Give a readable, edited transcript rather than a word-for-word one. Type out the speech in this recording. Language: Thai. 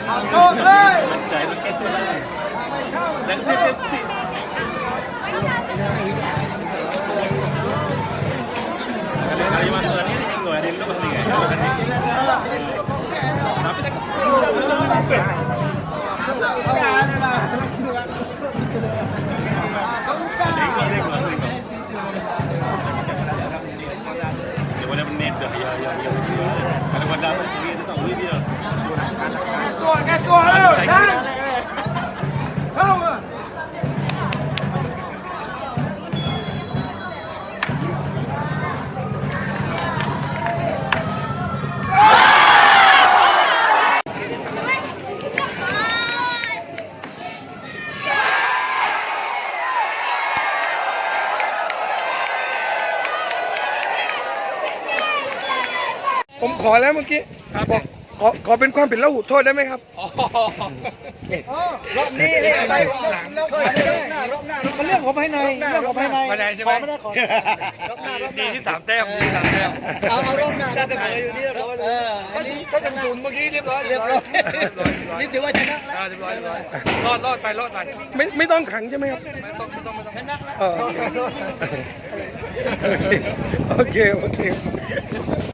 มันใจต้องแก้ตัวได้แล้วก็เต้นสติkali masa ni yang gua ada lu ni kan tapi tak dia boleh menit dah ya kalau kau dapat sendiri tu tak boleh dia tua lu dah kau ผมขอแล้วเมื่อกี้บอกขอเป็นความผิดละหุโทษได้ไหมครับรอบนี้ไปรอบหน้ามันเรื่องของภายในเรื่องของภายในใช่ไหมไม่ได้ขอดีที่3 แต้มเอารอบหน้าจะอยู่นี่ก็จะ0เมื่อกี้เรียบร้อยนี่ถือว่าชนะแล้วเรียบร้อยรอดไปไม่ต้องขังใช่ไหมครับไม่ต้องชนะแล้วโอเค